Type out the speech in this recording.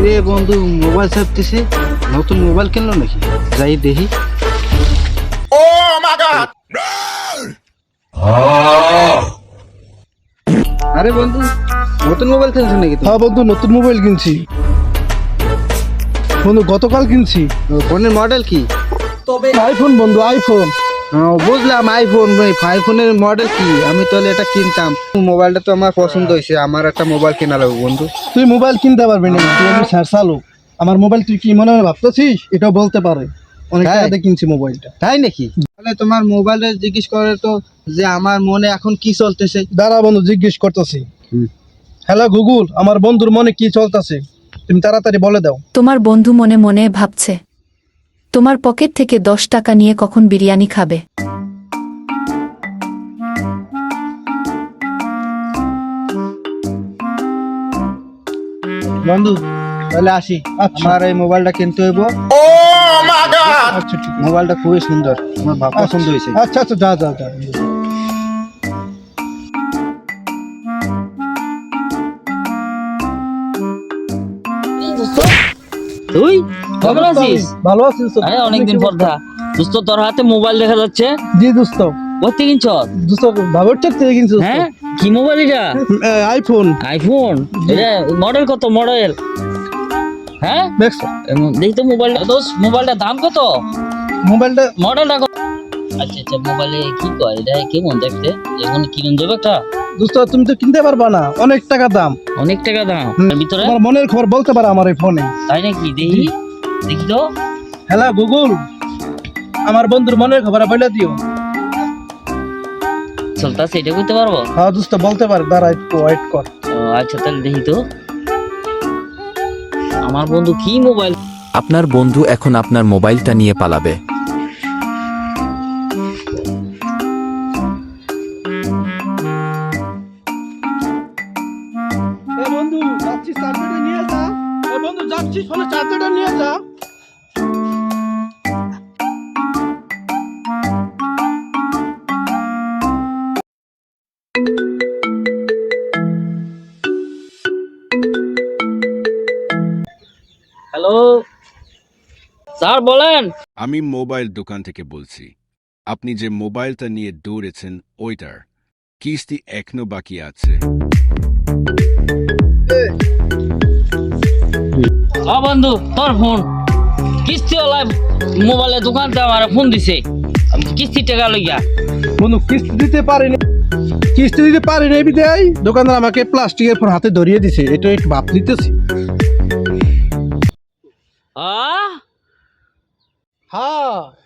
কিরে বন্ধু মোবাইল ছাপতেছে, নতুন মোবাইল কিনলো নাকি? যাই দেখি। আরে বন্ধু নতুন মোবাইল কিনছো নাকি? হ্যাঁ বন্ধু, নতুন মোবাইল কিনছি বন্ধু, গতকাল কিনছি। ফোনের মডেল কি? আইফোন বন্ধু, আইফোন। বুঝলাম আইফোন। আইফোনের মডেল কি? আমি তাহলে এটা কিনতাম। মোবাইলটা তো আমার পছন্দ হয়েছে, আমার একটা মোবাইল কেনা লাগবে বন্ধু। তুই মোবাইল কিনতে পারবি না, তুই আমি স্যার চালু। আমার মোবাইল তুই কি মনে হয় ভাবতেছিস? এটাও বলতে পারে অনেক হ্যাঁ। টাকাতে কিনছি মোবাইলটা। তাই নাকি? তাহলে তোমার মোবাইলে জিজ্ঞেস করে তো যে আমার মনে এখন কি চলতেছে। দাঁড়া বন্ধু, জিজ্ঞেস করতেছি। হুম। হ্যালো গুগল, আমার বন্ধুর মনে কি চলতেছে তুমি তাড়াতাড়ি বলে দাও। তোমার বন্ধু মনে মনে ভাবছে তোমার পকেট থেকে 10 টাকা নিয়ে কখন বিরিয়ানি খাবে। বন্ধু তাহলে আসি, আচ্ছা। আমার এই মোবাইলটা কিনতে হইব। আচ্ছা ঠিক আছে। মোবাইলটা খুবই সুন্দর, আমার ভাব পছন্দ হয়েছে। আচ্ছা আচ্ছা, যা যা যা। তুই কেমন আছিস? ভালো আছিস তো? আরে অনেকদিন পর দেখা দোস্ত, তোর হাতে মোবাইল দেখা যাচ্ছে। জি দোস্ত। কোথা কিনছ? দোস্ত বাবার থেকে কিনছি দোস্ত। হ্যাঁ, কি মোবাইল এটা? আইফোন। আইফোন? এটা মডেল কত? মডেল? হ্যাঁ দেখছো দেখি তো মোবাইলটা। দোস্ত মোবাইলটার দাম কত? মোবাইলটা? মডেলটা কত? আচ্ছা আচ্ছা, মোবাইলে কি কয় এটা? কেমন দেখতে? এখন কিনুন যাবে একটা? দোস্ত তুমি তো কিনতে পারবা না, অনেক টাকা দাম। অনেক টাকা দাম। এর ভিতরে তোমার মনের খবর বলতে পারে আমার এই ফোনে। তাই নাকি? দেখি দেখি তো। হ্যালো গুগল, আমার বন্ধুর মনের খবর বলে দিও। চলতেছে এটা করতে পারবো? হ্যাঁ দোস্ত বলতে পারে, দাঁড়া একটু ওয়েট কর। ও আচ্ছা, তাহলে দেখি তো আমার বন্ধু কি মোবাইল। আপনার বন্ধু এখন আপনার মোবাইলটা নিয়ে পালাবে। এ বন্ধু যাচ্ছি, চার্জারটা নিয়ে যা। এ বন্ধু যাচ্ছি, ফোনে চার্জারটা নিয়ে যা। হ্যালো স্যার, বলেন। আমি মোবাইল দোকান থেকে বলছি। আপনি যে মোবাইলটা নিয়ে দৌড়েছেন ওইটার কিস্তি এখনো বাকি আছে। বন্ধু তোর ফোন কিস্তিওয়ালা মোবাইলের দোকানতে আমার ফোন দিছে, কিস্তি টাকা লইয়া। বন্ধু কিস্তি দিতে পারিনি, কিস্তি দিতে পারিনি বিদায় দোকানদার আমাকে প্লাস্টিকের ফোন হাতে ধরিয়ে দিছে। এটা একটু ভাব নিতেছি। হ্যাঁ